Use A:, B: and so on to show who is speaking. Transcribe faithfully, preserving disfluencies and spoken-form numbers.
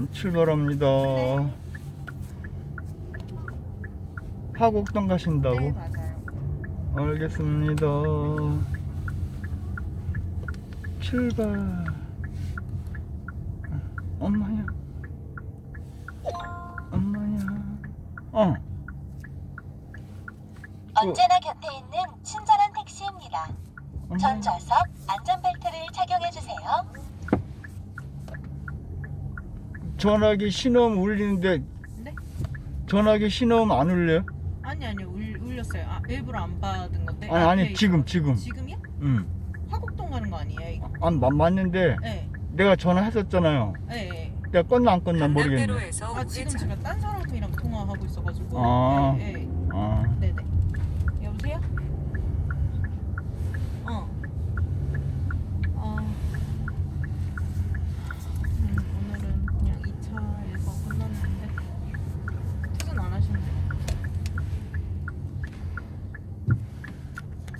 A: 출발합니다.
B: 네.
A: 화곡동 가신다고?
B: 네, 맞아요.
A: 알겠습니다. 출발. 엄마야. 엄마야. 어.
C: 언제나 곁에 있는 친절한 택시입니다.
A: 엄마야.
C: 전 좌석 안전벨트를 착용해주세요.
A: 전화기 신호음 울리는데
B: 네?
A: 전화기 신호음 안 울려요?
B: 아니 아니 울, 울렸어요. 아, 일부러 안 받은 건데.
A: 아니 아니
B: 앞에
A: 지금
B: 있어가지고.
A: 지금.
B: 지금이요?
A: 응.
B: 화곡동 가는 거 아니에요 이거?
A: 아 맞- 맞는데
B: 네.
A: 내가 전화했었잖아요.
B: 네. 네.
A: 내가 껐나 안 껐나 모르겠네.
D: 강남대로에서
B: 아 지금 제가 딴 사람이랑 통화하고 있어가지고.
A: 아.
B: 네. 네.
A: 아.
B: 네.